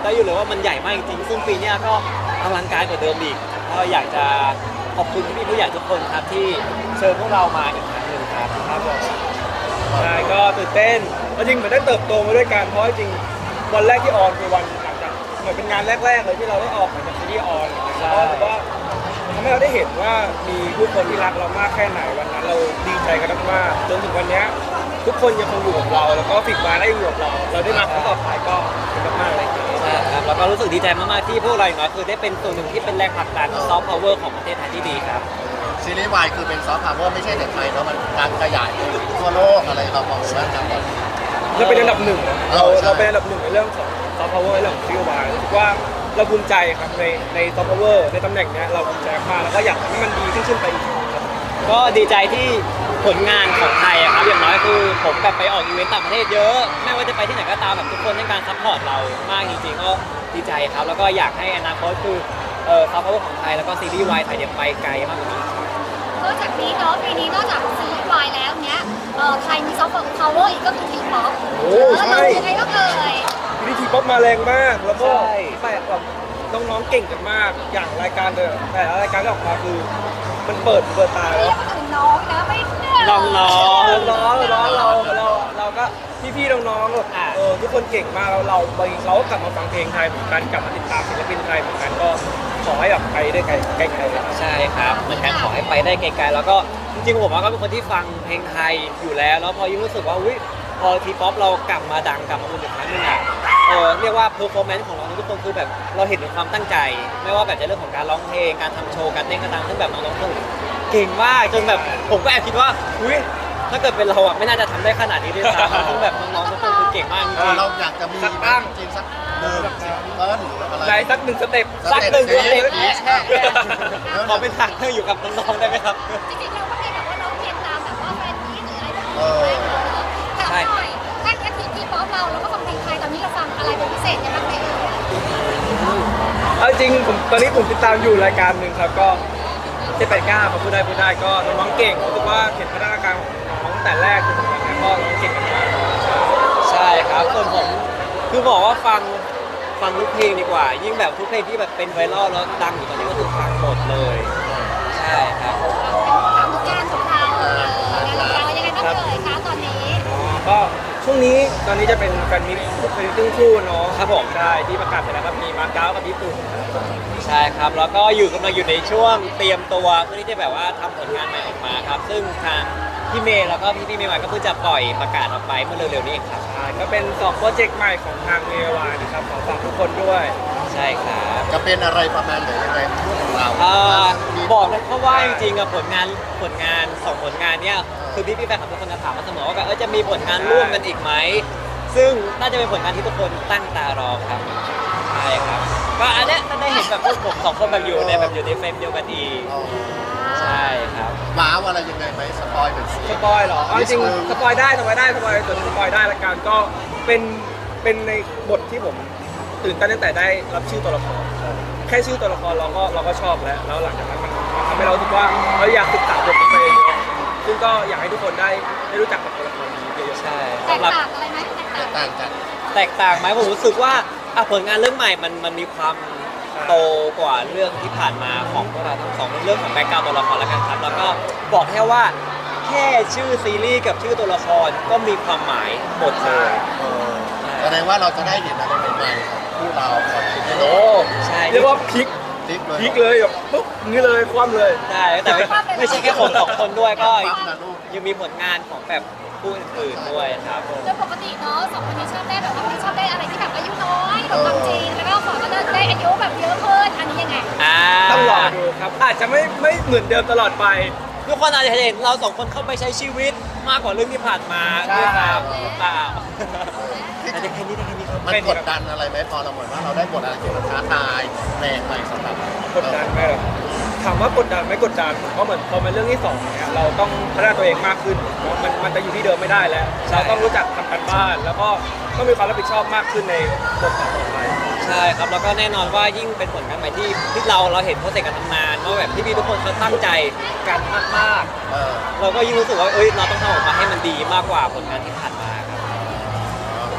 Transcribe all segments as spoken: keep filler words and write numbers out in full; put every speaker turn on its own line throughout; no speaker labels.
ได้อยู่เลยว่ามันใหญ่มากจริงๆซึ่งปีนี้ก็อลังการกว่าเดิมอีกก็อยากจะขอบคุณพี่ๆผู้ใหญ่ทุกคนครับที่เชิญพวกเรามาอีกครั้งหนึ่งครับครับผม
ใช่ก็ตื่นเต้นจริงเหมือนได้เติบโตมาด้วยกันเพราะจริงวันแรกที่ออนคือวันหลังจากเหมือนเป็นงานแรกๆเลยที่เราได้ออกมาจากซีรีส์ออนเพราะว่าทำให้เราได้เห็นว่ามีผู้คนที่รักเรามากแค่ไหนวันนั้นเราดีใจกันมากๆจนถึงวันนี้ทุกคนยังคงอยู่กับเราแล้วก็ฟิกมาได้อยู่กับเราเราได้มาครั้งต่อไปก็เป็นมากๆเลย
ใช่ครับแล้วก็รู้สึกดีใจมากๆที่พวกเราอย่างน้อยคือได้เป็นส่วนหนึ่งที่เป็นแรงผลักดันซอฟต์พาวเวอร์ของประเทศไทยที่ดีครับ
ซีรีส์วายคือเป็นซอฟต์พาวเวอร์ไม่ใช่แต่ไทยเนาะมันการขยายไปทั่วโลกอะไรเรามองว่าการแบบ
เราเป็นอันดับหนึ่งเรา
เออใช่
เราเป็นอันดับหนึ่งในเรื่องของซอฟต์พาวเวอร์เรื่องของซีรีส์วายรู้สึกว่าเราภูมิใจครับในในซอฟต์พาวเวอร์ในตำแหน่งเนี้ยเราภูมิใจมากแล้วก็อยากให้มันดีขึ้นขึ้นไปอีกครับ
ก็ดีใจที่ผลงานของไทยอะครับอย่างน้อยคือผมแบบไปออกอีเวนต์ต่างประเทศเยอะไม่ว่าจะไปที่ไหนก็ตามแบบทุกคนให้การซัพพอร์ตเรามากจริงๆก็ดีใจครับแล้วก็อยากให้อนาคตคือเอ่อซอฟต์พาวเวอร์ของไทยแล้วก็ซีรีส์วายไทยเนี่ยไปไกลมากกว่านี้
นอกจากนี้เนาะปีนี้นอกจากซีรีส์วายแล้วเนี้ยเอ่อไทยมีซอฟต์พาวเวอร์อีกก็คือทีป๊อป
โอ้
แล้ว
ใช่
เรายังไงก็เอ่ย
วิธีป๊อปมาแรงมากแล้วก็
ใช่
แปลกแบบน้องๆเก่งกันมากอย่างรายการเดิมแต่ละรายการที่ออกมาคือมันเปิดเปิดตา
เรี
แล้
ยว กถึงน้องนะไม่เย
น้อง
น้องน้องน้องเราเราเราก็พี่ๆน้องๆแบบ
อ่า
เออทุกคนเก่งมากแล้วเราบางทีเราก็กลับมาฟังเพลงไทยเหมือนกันกลับมาติดตามศิลปินไทยเหมือนกันก็ขอให้แบบไปได้ไกลไกลๆเลยครับ
ใช่ครับเหมือนกันขอให้ไปได้ไกลๆแล้วก็จริงๆผมว่าก็เป็นคนที่ฟังเพลงไทยอยู่แล้วแล้วพอยิ่งรู้สึกว่าอุ้ยพอทีป๊อปเรากลับมาดังกลับมาเป็นอีกครั้งหนึงอ่ะเออเรียกว่าเพอร์ฟอร์แมนซ์ของเราทุกคนคือแบบเราเห็นถึงความตั้งใจ ไม่ว่าแบบจะเรื่องของการร้องเพลงการทำโชว์การเต้นการตามซึ่งแบบน้องๆทุกคนเก่งมากจนแบบผมก็แอบคิดว่าอุ้ยถ้าเกิดเป็นเราอ่ะไม่น่าจะทำได้ขนาดนี้ด้วยซ้ำซึ่งแบบน้องๆทุกคนคือเก่งมากจ
เอ
ริ
อง เราอยากจะมี
สักตั้ง
จริงๆสักหนึ่งสิบเอิร์นหรืออะไร
ในสักหนึ่งสเต็ป
ๆสักหนึ่งสเต็ป
แค่แค่
ขอเป็นทางเธออยู่กับน้องๆได้ไหมครับ
จริงๆเราก็มีแบบว่าร้องเพลงตามแบบว่าแฟนมีตหรืออะไรแบบ
เอ
นี้
อ
ถามหน่อยถ้าแค่ทีทีป๊อปเราเราก็ฟังเพลงไทยตอนนี้เราฟังอะไรเป็นพิเศษยังไงบ้างไหมเอ่ย
เอาจริงผมตอนนี้ผมติดตามอยู่รายการหนึ่งครับก็เจ็ดแปดเก้าเขาพูดได้พูดได้ก็น้องๆเก่งรู้สึกว่าเห็นพัฒนาการของน้องตั้งแต่แรกจนถึงวันนี้ก็น้องเก่งกันมาก
ใช่ครับส่วนผมคือบอกว่าฟังฟังทุกเพลงดีกว่า ยิ่งแบบทุกเพลงที่แบบเป็นไวรัลแล้วดังอยู่ตอนนี้ก็คือฟังหมดเลย ใช่ครับ
ถามงานของเราเอองานของเรายังไงบ้างเอ่ยคะตอนนี้
อ๋อก็ช่วงนี้ตอนนี้จะเป็นแฟนมิตรแฟนมิตรครึ่งคู่เนาะ
ครับผม
ใช่ที่ประกาศไปแล้วครับมีมาเก๊ากับญี่ปุ่น
ใช่ครับแล้วก็อยู่กำลังอยู่ในช่วงเตรียมตัวเพื่อที่จะแบบว่าทำผลงานใหม่ออกมาครับ ซึ่งทางพี่เมย์แล้วก็พี่พี่เมย์ใหม่ก็เพิ่งจะปล่อยประกาศออกไปเมื่อเร็วๆนี้เองครับ
ใช่ก็เป็นสองโปรเจกต์ใหม่ของทางเมวานะครับขอฝากทุกคนด้วย
ใช่ครับ
จะเป็นอะไรประมาณไหนยังไงพูดของเรา
อ่า
มี
บอกเลยเพราะว่าจริงๆอะผลงานผลงานสองผลงานเนี้ยคือพี่พี่ๆแฟนคลับทุกคนจะถามมาเสมอว่าแบบเออจะมีผลงานร่วมกันอีกไหมซึ่งน่าจะเป็นผลงานที่ทุกคนตั้งตารอครับใช่ครับก็อันเนี้ยจะได้เห็นแบบพวกผมสองคนแบบอยู่ในแบบอยู่ในเฟรมเดียวกันอีก
อ๋อ
ใช่ครับ
ว้าวอะไรยังไงไหมสปอยเป็นสี
สปอยเหรอเอาจริงๆสปอยได้สปอยได้สปอยส่วนสปอยได้ละกันก็เป็นเป็นในบทที่ผมตื่นเต้นตั้งแต่ได้รับชื่อตัวละครแค่ชื่อตัวละครเราก็เราก็ชอบแล้วแล้วหลังจากนั้นมันมันทำให้เรารู้สึกว่าเราอยากศึกษาบทนี้ไปเองซึ่งก็อยากให้ทุกคนได้ได้รู้จักกับตัวละครนี้เยอะ
ใช่
แต
สำ
ก
หรับ
ต่างอะไรไหมแตกต่าง
ต่างกัน
แตกต่างไหมผมรู้สึกว่าอ่ะผลงานเรื่องใหม่มันมันมีความโตกว่าเรื่องที่ผ่านมาของพวกเราทั้งสองเรื่องของแบ็กกราวด์ตัวละครแล้วกันครับแล้วก็บอกแค่ว่าแค่ชื่อซีรีส์กับชื่อตัวละครก็มีความหมายหมดเลย
เออแสดงว่าเราจะได้เห็นอะไรใหม่ๆของคู่เราก่อนคิดได้
ๆ
เล
โอ้
ย
ใช่
เรียกว่าพลิก
พลิกเลย
พลิกเลยแบบปุ๊บนี่เลยคว่ำเลย
ใช่แต่ไม่ไม่ใช่แค่ผมสองคนด้วยก็
ปั๊บนะลูก
ยังมีผลงานของแบบผู้อื่นๆด้วยครับผม
โดยปกติเนาะสองคนนี้ชอบได้แบบว่าชอบได้อะไรที่แบบอายุน้อยแบบความจริงแล้วก็ขอก็ได้อายุแบบเยอะขึ้นอันนี้ยังไง
อ่า
ต้องรอดูครับอาจจะไม่ไม่เหมือนเดิมตลอดไป
ทุกคนอาจจะเห็นเราสองคนเข้าไปใช้ชีวิตมากกว่าเรื่องที่ผ่านมา
ใช่
ด้วยซ้ำหรือเปล่าแต่ได้แค่นี้ได้แค่นี้ครับ
มันกดดันอะไรไหมพอเราเหมือนว่าเราได้บทอะไรที่มันท้าทายแปลกใหม่สำหรับ
กดดันไหมเหรอถามว่ากดดันไหม่กดดันเพราะเหมือนพอเป็นเรื่องที่สองเนี่ยเราต้องพัฒนาตัวเองมากขึ้นเนอะมันมันจะอยู่ที่เดิมไม่ได้แล้ว
ใช่
เราต้องรู้จักทำการบ้าน แล้วก็ต้องมีความรับผิดชอบมากขึ้นในบทต่อๆไป
ใช่ครับแล้วก็แน่นอนว่ายิ่งเป็นผลงานใหม่ที่ที่เราเราเห็นโปรเซสการทำงานว่าแบบพี่ๆทุกคนเขาตั้งใจกันมาก
เออ
ๆ เราก็ยิ่งรู้สึกว่าเอ้ยเราต้องทำออกมาให้มันดีมากกว่าผลงานที่ผ่านมาครับ
แฟ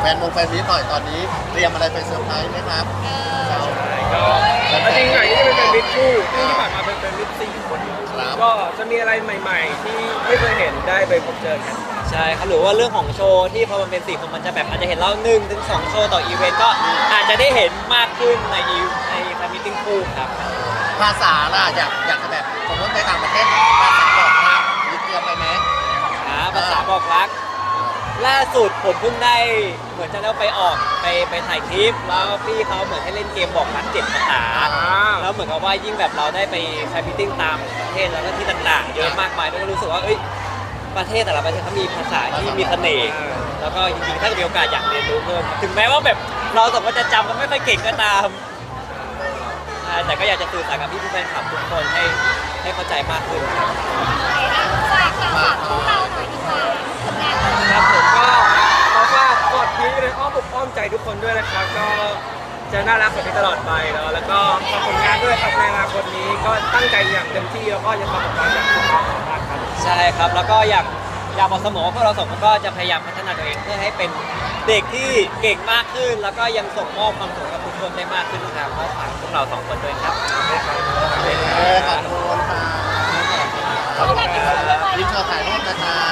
นวงแฟนมิตรหน่อยตอนนี้เตรียมอะไรไปเซอร์ไพรส์ไหมครับ
ก็จริงๆหน่อยนี่จะเป็นแฟนมิตรคู่ซึ่งที่ผ่านมาเป็นแฟนมิตรสี่คน
ครับ
ก็จะมีอะไรใหม่ ๆ ที่ไม่เคยเห็นได้ไปพบเจอกัน
ใช่ครับหรือว่าเรื่องของโชว์ที่พอมันเป็นสี่คนมันจะแบบอาจจะเห็นเราหนึ่งถึงสองโชว์ต่ออีเวนต์ก็อาจจะได้เห็นมากขึ้นในอีในแฟนมิทติ้งคู่ครับ
ภาษาล่ะอยากอยากจะแบบสมมติไปต่างประเทศภาษาบอกครับยึดเตรียมไปไหม
หาภาษาบอกรัก ล่าสุดผมเพิ่งได้เหมือนจะได้ไปออกไปไปถ่ายคลิป แล้วพี่เขาเหมือนให้เล่นเกมบอกรักเจ็ดภาษา แล้วเหมือนกับว่ายิ่งแบบเราได้ไปแฟนมิทติ้งตามประเทศแล้วก็ที่ต่างๆ เยอะมากมายด้วยก็รู้สึกว่าเอ้ยประเทศแต่ละประเทศเขามีภาษาที่มีเสน่ห์แล้วก็จริงๆถ้ามีโอกาสอยากเรียนรู้เพิ่มถึงแม้ว่าแบบเราสองคนจะจำกันไม่ค่อยเก่งก็ตามอ่าแต่ก็อยากจะสื่อสารกับพี่ผู้แฟนคลับทุกคนให้ให้เข้าใจมากขึ้นครับ
ฝากค่ะฝากพวกเราหน่อยดีกว่าผลงานเรา
ครับผมก็ขอฝากกอดพีในอ้อมอกอ้อมใจทุกคนด้วยนะครับก็จะน่ารักแบบนี้ตลอดไปเนาะแล้วก็ฝากผลงานด้วยครับในอนาคตนี้ก็ตั้งใจอย่างเต็มที่แล้วก็จะทำออกมาอย่างสุดความสามารถครับ
ใช่ครับแล้วก็อยากอยากบอกเสมอว่าพวกเราสองคนก็จะพยายามพัฒนาตัวเองเพื่อให้เป็นเด็กที่เก่งมากขึ้น แล้วก็ยังส่งมอบความสุขกับทุกคนได้มากขึ้นครับก็ฝากพวกเราสองคนด้วยครับ
เออขอบคุณค่ะ
ขอบคุณค่ะ
ยิ้มโชว์ถ่ายรูปนะคะ